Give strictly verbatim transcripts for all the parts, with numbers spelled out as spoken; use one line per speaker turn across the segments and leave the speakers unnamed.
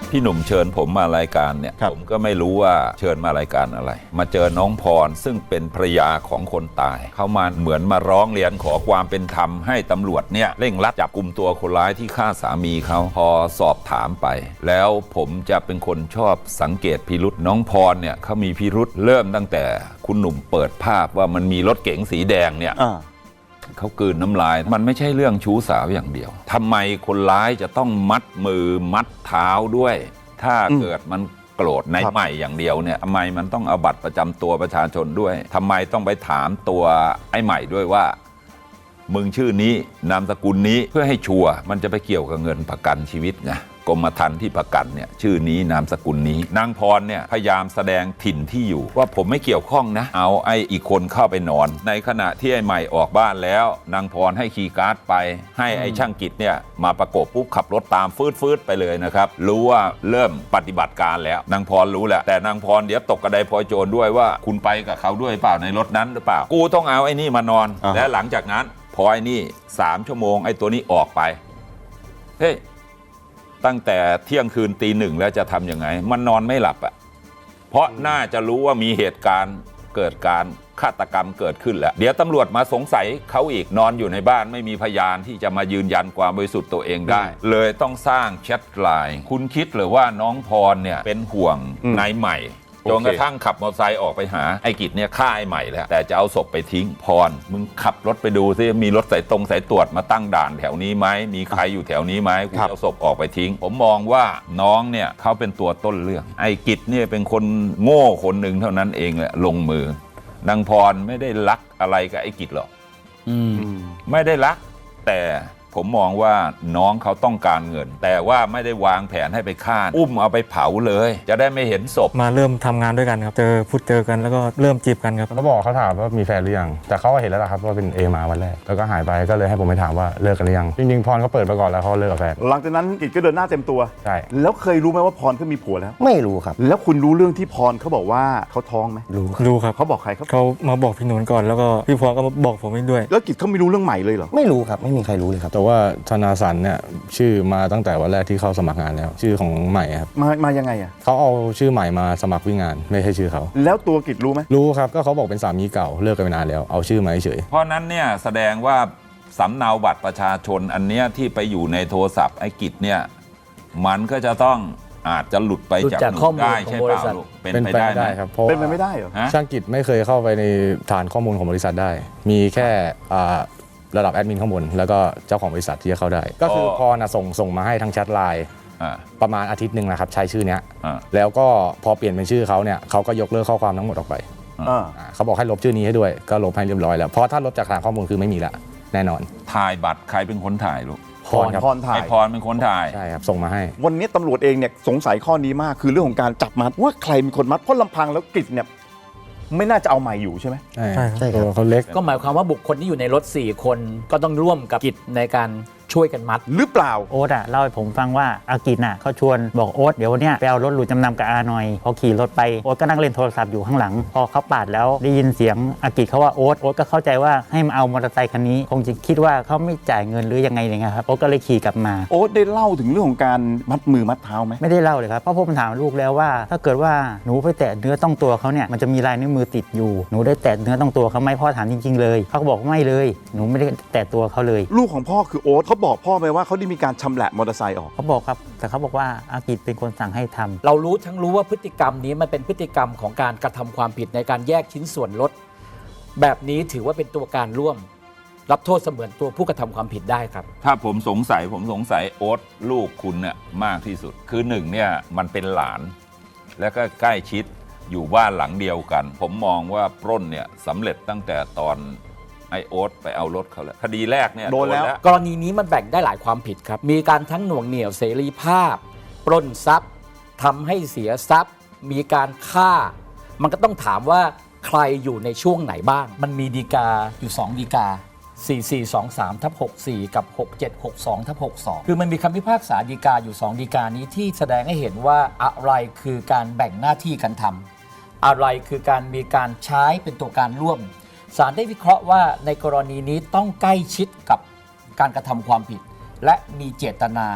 พี่หนุ่มเชิญผมมารายการเนี่ยผมก็ไม่รู้ว่าเชิญมารายการอะไรมาเจอน้องพรซึ่งเป็นภรรยาของคนตายเขามาเหมือนมาร้องเรียนขอความเป็นธรรมให้ตำรวจเนี่ยเร่งรัดจับกุมตัวคนร้ายที่ฆ่าสามีเขาพอสอบถามไปแล้วผมจะเป็นคนชอบสังเกตพิรุษน้องพรเนี่ยเขามีพิรุษเริ่มตั้งแต่คุณหนุ่มเปิดภาพว่ามันมีรถเก๋งสีแดงเนี่ยเขากลืนน้ำลายมันไม่ใช่เรื่องชู้สาวอย่างเดียวทำไมคนร้ายจะต้องมัดมือมัดเท้าด้วยถ้าเกิดมันโกรธในใหม่อย่างเดียวเนี่ยทำไมมันต้องเอาบัตรประจำตัวประชาชนด้วยทำไมต้องไปถามตัวไอ้ใหม่ด้วยว่ามึงชื่อนี้นามสกุลนี้เพื่อให้ชัวร์มันจะไปเกี่ยวกับเงินประกันชีวิตไงกรมธรรม์ที่ประกันเนี่ยชื่อนี้นามสกุลนี้นางพรเนี่ยพยายามแสดงถิ่นที่อยู่ว่าผมไม่เกี่ยวข้องนะเอาไอ้อีกคนเข้าไปนอนในขณะที่ไอ้ใหม่ออกบ้านแล้วนางพรให้คีย์การ์ดไปให้ไอ้ช่างกิจเนี่ยมาประกบปุ๊บขับรถตามฟืดฟืดไปเลยนะครับรู้ว่าเริ่มปฏิบัติการแล้วนางพรรู้แหละแต่นางพรเดี๋ยวตกกระไดพลอยโจรด้วยว่าคุณไปกับเขาด้วยเปล่าในรถนั้นหรือเปล่ากูต้องเอาไอ้นี่มานอนและหลังจากนั้นพอไอ้นี่สามชั่วโมงไอ้ตัวนี้ออกไปเฮ้ยตั้งแต่เที่ยงคืนตีหนึ่งแล้วจะทำยังไงมันนอนไม่หลับอ่ะเพราะน่าจะรู้ว่ามีเหตุการณ์เกิดการฆาตกรรมเกิดขึ้นแล้วเดี๋ยวตำรวจมาสงสัยเขาอีกนอนอยู่ในบ้านไม่มีพยานที่จะมายืนยันความบริสุทธิ์ตัวเองได้เลยต้องสร้างแชทไลน์คุณคิดหรือว่าน้องพรเนี่ยเป็นห่วงนายใหม่จนกระทั่งขับมอเตอร์ไซค์ออกไปหาไอ้กิจเนี่ยฆ่าไอ้ใหม่แล้วแต่จะเอาศพไปทิ้งพรมึงขับรถไปดูซิมีรถสายตรงสายตรวจมาตั้งด่านแถวนี้ไหมมีใครอยู่แถวนี้ไหมกูจะเอาศพออกไปทิ้งผมมองว่าน้องเนี่ยเขาเป็นตัวต้นเรื่องไอ้กิจเนี่ยเป็นคนโง่คนหนึ่งเท่านั้นเองแหละลงมือนางพรไม่ได้รักอะไรกับไอ้กิจหรอกไม่ได้รักแต่ผมมองว่าน้องเขาต้องการเงินแต่ว่าไม่ได้วางแผนให้ไปฆ่าอุ้มเอาไปเผาเลยจะได้ไม่เห็นศพ
มาเริ่มทำงานด้วยกันครับเจอพูดเจอกันแล้วก็เริ่มจีบกันครับ
เขาบอกเขาถามว่ามีแฟนหรือยังแต่เขาก็เห็นแล้วล่ะครับว่าเป็นเอมาวันแรกแล้วก็หายไปก็เลยให้ผมไปถามว่าเลิกกันหรือยังจริงๆพรเขาเปิดมาก่อนแล้วเขาเลิกกับแฟน
หลังจากนั้นกิจก็เดินหน้าเต็มตัว
ใช่
แล้วเคยรู้ไหมว่าพรเขามีผัวแล้ว
ไม่รู้ครับ
แล้วคุณรู้เรื่องที่พรเขาบอกว่าเขาท้องไหม
รู้
รู้ครับ
เขาบอกใครครับ
เขามาบอกพี่หนุนก่อนแล้วก็พี่พรก็มาบอกผมด้วย
แล้วกิจเขาไม่รู้เรื่องใหม่เลยเหรอ
ไม่รู้ครับไม่มีใครรู้เลยครับ
แต่ว่าธนาสันเนี่ยชื่อมาตั้งแต่วันแรกที่เข้าสมัครงานแล้วชื่อของใหม่ครับ
มามายังไงอ่ะ
เขาเอาชื่อใหม่มาสมัครวิ่งงานไม่ใช่ชื่อเขา
แล้วตัวกิจรู้ไหม
รู้ครับก็เขาบอกเป็นสามีเก่าเลิกกันไปนานแล้วเอาชื่อมาเฉย
เพราะนั้นเนี่ยแสดงว่าสำเนาบัตรประชาชนอันเนี้ยที่ไปอยู่ในโทรศัพท์ไอ้กิจเนี่ยมันก็จะต้องอาจจะหลุดไปจากหนูได้ใช่เปล่า
เป็นไปได้ครับเพราะ
เป็นไปไม่ได้เหรอ
ช่างกิจไม่เคยเข้าไปในฐานข้อมูลของบริษัทได้มีแค่ระดับแอดมินข้างบนแล้วก็เจ้าของบริษัทที่จะเข้าได้ก็คือพอนะส่งส่งมาให้ทางแชทไลน์ประมาณอาทิตย์หนึ่งนะครับใช้ชื่อนี้แล้วก็พอเปลี่ยนเป็นชื่อเขาเนี่ยเขาก็ยกเลิกข้อความทั้งหมดออกไปเขาบอกให้ลบชื่อนี้ให้ด้วยก็ลบให้เรียบร้อยแล้วเพราะถ้าลบจากฐานข้อมูลคือไม่มีละแน่นอน
ถ่ายบัตรใครเป็นคนถ่ายลูก
พรครับ
พรถ่าย
พรเป็นคนถ่าย
ใช่ครับส่งมาให้
วันนี้ตำรวจเองเนี่ยสงสัยข้อนี้มากคือเรื่องของการจับมัดว่าใครเป็นคนมัดเพราะลำพังแล้วกิจเนี่ยไม่น่าจะเอาใหม่อยู่ใช่ไหม
ใช่ใช่ครับเขาเล็ก
ก็หมายความว่าบุคคลที่อยู่ในรถสี่คนก็ต้องร่วมกับกิจในการช่วยกันมัด
หรือเปล่า
โอ๊ตอ่ะเล่าให้ผมฟังว่าอากิจน่ะเขาชวนบอกโอ๊ตเดี๋ยววันเนี้ยไปเอารถหลุดจำนำกับอาหน่อยพอขี่รถไปโอ๊ตก็นั่งเล่นโทรศัพท์อยู่ข้างหลังพอเขาปาดแล้วได้ยินเสียงอากิจเขาว่าโอ๊ตโอ๊ตก็เข้าใจว่าให้มาเอามอเตอร์ไซค์คันนี้คงจะคิดว่าเขาไม่จ่ายเงินหรือยังไงอย่างเงี้ยครับโอ๊ตก็เลยขี่กลับมา
โอ๊ตได้เล่าถึงเรื่องของการมัดมือมัดเท้าไหม
ไม่ได้เล่าเลยครับเพราะผมถามลูกแล้วว่าถ้าเกิดว่าหนูไปแตะเนื้อต้องตัวเขาเนี่ยมันจะมีลายนิ้วมือติดอยู่หนูได้แตะเนื้อต้องตัวเขาไหมพ่อถามจริงๆเลยเขาบอกไม่เลยหนูไม่ได้แตะตัวเขาเลย
ลูกของพ่อคือโอ๊ตเขาบอกพ่อไหมว่าเขาได้มีการชำแหละมอเตอร์ไซค์ออก
เขาบอกครับแต่เขาบอกว่าอากิจเป็นคนสั่งให้ทำ
เรารู้ทั้งรู้ว่าพฤติกรรมนี้มันเป็นพฤติกรรมของการกระทำความผิดในการแยกชิ้นส่วนรถแบบนี้ถือว่าเป็นตัวการร่วมรับโทษเสมือนตัวผู้กระทำความผิดได้ครับ
ถ้าผมสงสัยผมสงสัยโอ๊ตลูกคุณเนี่ยมากที่สุดคือหนึ่งเนี่ยมันเป็นหลานแล้วก็ใกล้ชิดอยู่บ้านหลังเดียวกันผมมองว่าปล้นเนี่ยสำเร็จตั้งแต่ตอนไอโอ๊ตไปเอารถเขาแล้วคดีแรกเนี่ย
โดนแล้ว
กรณีนี้มันแบ่งได้หลายความผิดครับมีการทั้งหน่วงเหนี่ยวเสรีภาพปล้นทรัพย์ทำให้เสียทรัพย์มีการฆ่ามันก็ต้องถามว่าใครอยู่ในช่วงไหนบ้างมันมีฎีกาอยู่สองฎีกาสี่สี่สองสามทับหกสี่กับหกเจ็ดหกสองทับหกสองคือมันมีคำพิพากษาฎีกาอยู่สองฎีกานี้ที่แสดงให้เห็นว่าอะไรคือการแบ่งหน้าที่กันทำอะไรคือการมีการใช้เป็นตัวการร่วมศาลได้วิเคราะห์ว่าในกรณีนี้ต้องใกล้ชิดกับการกระทำความผิดและมีเจตนา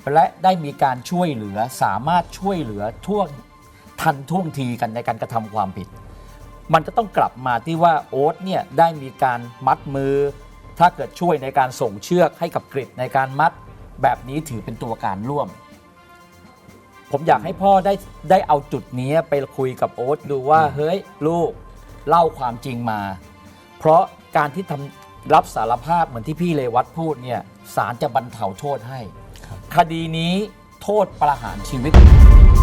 และได้มีการช่วยเหลือสามารถช่วยเหลือท่วงทันท่วงทีกันในการกระทำความผิด มันจะต้องกลับมาที่ว่าโอ๊ตเนี่ยได้มีการมัดมือ ถ้าเกิดช่วยในการส่งเชือกให้กับกฤษในการมัดแบบนี้ถือเป็นตัวการร่วม ผมอยากให้พ่อได้ได้เอาจุดนี้ไปคุยกับโอ๊ตดูว่าเฮ้ยลูกเล่าความจริงมา เพราะการที่ทำรับสารภาพเหมือนที่พี่เรวัตพูดเนี่ยศาลจะบรรเทาโทษให้ คดีนี้โทษประหารชีวิต